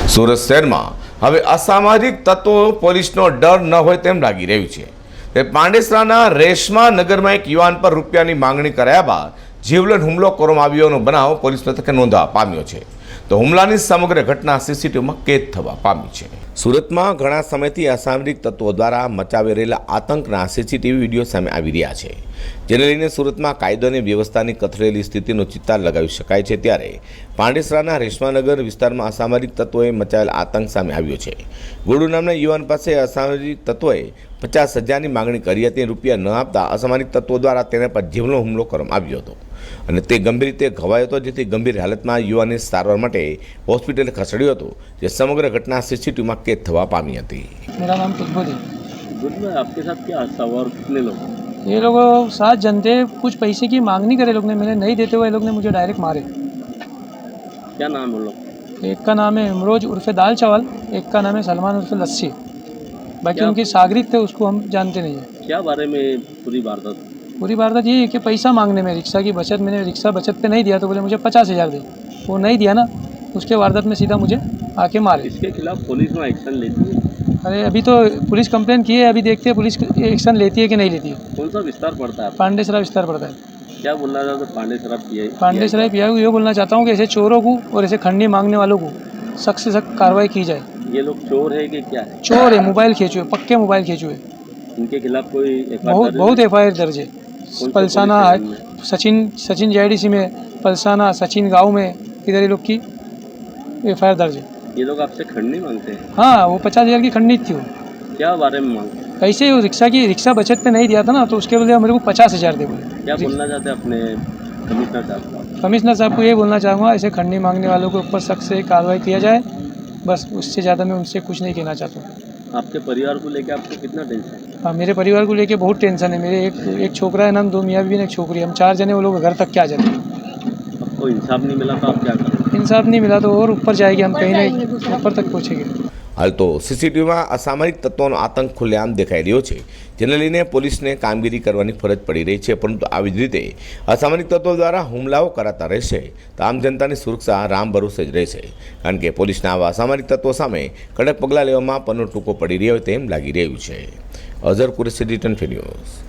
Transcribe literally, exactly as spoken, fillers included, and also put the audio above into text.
સુરત શહેરમાં હવે અસામાજિક તત્વો પોલીસનો ડર ન હોય તેમ લાગી રહ્યું છે. તે પાંડેસરાના રેશમા નગરમાં એક યુવાન પર રૂપિયાની માંગણી કર્યા બાદ જીવલેણ હુમલો કરવામાં આવ્યોનો બનાવ પોલીસ મથકે નોંધવા પામ્યો છે. તો હુમલાની સમગ્ર ઘટના સીસીટીવીમાં કેદ થવા પામી છે. સુરતમાં ઘણા સમયથી અસામરિક તત્વો દ્વારા મચાવી રહેલા આતંકના સીસીટીવી વિડીયો સામે આવી રહ્યા છે, જેને લઈને સુરતમાં કાયદો અને વ્યવસ્થાની કથળેલી સ્થિતિનો ચિતાર લગાવી શકાય છે. ત્યારે પાંડેસરાના રેશમાનગર વિસ્તારમાં અસામરિક તત્વોએ મચાવેલ આતંક સામે આવ્યો છે. ગુડુ નામના યુવાન પાસે અસામરિક તત્વોએ પચાસ હજારની માંગણી કરી હતી. રૂપિયા ન આપતા અસામરિક તત્વો દ્વારા તેના પર જીવનો હુમલો કરવામાં આવ્યો હતો અને તે ગંભીર રીતે ઘવાયો હતો, જેથી ગંભીર હાલતમાં યુવાનને સારવાર માટે હોસ્પિટલે ખસેડ્યો હતો, જે સમગ્ર घटना सीसीटीवी कैद थवा पामी थी. मेरा नाम तुजबुद है. तुजबुद, आपके साथ क्या हादसा हुआ और कितने लोग? ये लोग सात जन थे. कुछ पैसे की मांगनी करे लोग ने, मैंने नहीं देते हुए लोग ने मुझे डायरेक्ट मारे. क्या नाम है लोग? एक का नाम है इमरोज उर्फे दाल चावल, एक का नाम है सलमान उर्फे लस्सी. बाकी उनकी सागरित थे, उसको हम जानते नहीं है. क्या बारे में पूरी वारदात? पूरी वारदात ये है कि पैसा मांगने में, रिक्शा की बचत, मैंने रिक्शा बचत पे नहीं दिया तो बोले मुझे पचास हज़ार दे. वो नहीं दिया ना, उसके वारदात में सीधा मुझे आके मारे. इसके खिलाफ पुलिस में एक्शन लेती है? अरे अभी तो पुलिस कंप्लेन की है, अभी देखते हैं पुलिस एक्शन लेती है कि नहीं लेती है. कौन सा विस्तार पड़ता है? पांडेसरा विस्तार पड़ता है. क्या बोलना चाहते हैं Pandesara P I? Pandesara P I को ये बोलना चाहता हूँ कि ऐसे चोरों को और ऐसे खंडनी मांगने वालों को सख्त से सख्त कार्रवाई की जाए. ये लोग चोर है कि क्या है? चोर है, मोबाइल खेचे हुए, पक्के मोबाइल खेचे हुए. इनके खिलाफ कोई बहुत बहुत एफ आई आर दर्ज है. पलसाना है, Sachin Sachin G I D C में, पलसाना सचिन गाँव में, इधर ये लोग की एफ आई आर दर्ज है. ये लोग आपसे खंडनी मांगते हैं? हाँ, वो पचास हज़ार की खंडनी थी. वो क्या बारे में मांगते हैं? ऐसे ही रिक्शा की रिक्शा बचत पे नहीं दिया था ना, तो उसके बदले मेरे को पचास हज़ार दे बोले. क्या बोलना चाहते हैं अपने कमिश्नर साहब? कमिश्नर साहब को ये बोलना चाहूँगा, ऐसे खंडनी मांगने वालों के ऊपर सख्त से कार्रवाई किया जाए. बस उससे ज़्यादा मैं उनसे कुछ नहीं कहना चाहता हूँ. आपके परिवार को लेकर आपको कितना टेंशन है? हाँ, मेरे परिवार को लेके बहुत टेंशन है. मेरे एक एक छोकरा है नाम, दो मियाँ बीवी, एक छोकरी. हम चार जने, वो लोग घर तक क्या जाते हैं. आपको इंसाफ नहीं मिला तो आप क्या करें? इंसाफ नहीं मिला तो और ऊपर जाएंगे, हम कहीं नहीं ऊपर तक पहुँचेंगे. हाल तो सीसीटीवीમાં અસામરિક તત્વોનો આતંક ખુલ્લેઆમ દેખાઈ રહ્યો છે, જેને લઈને પોલીસને કામગીરી કરવાની ફરજ પડી રહી છે. પરંતુ આવી જ રીતે અસામરિક તત્વો દ્વારા હુમલાઓ કરાતા રહેશે તો આમ જનતાની સુરક્ષા રામ ભરોસે જ રહેશે, કારણ કે પોલીસના આવા અસામરિક તત્વો સામે કડક પગલાં લેવામાં પન્નો ટૂંકો પડી રહ્યો તેમ લાગી રહ્યું છે. Azhar Qureshi, return news.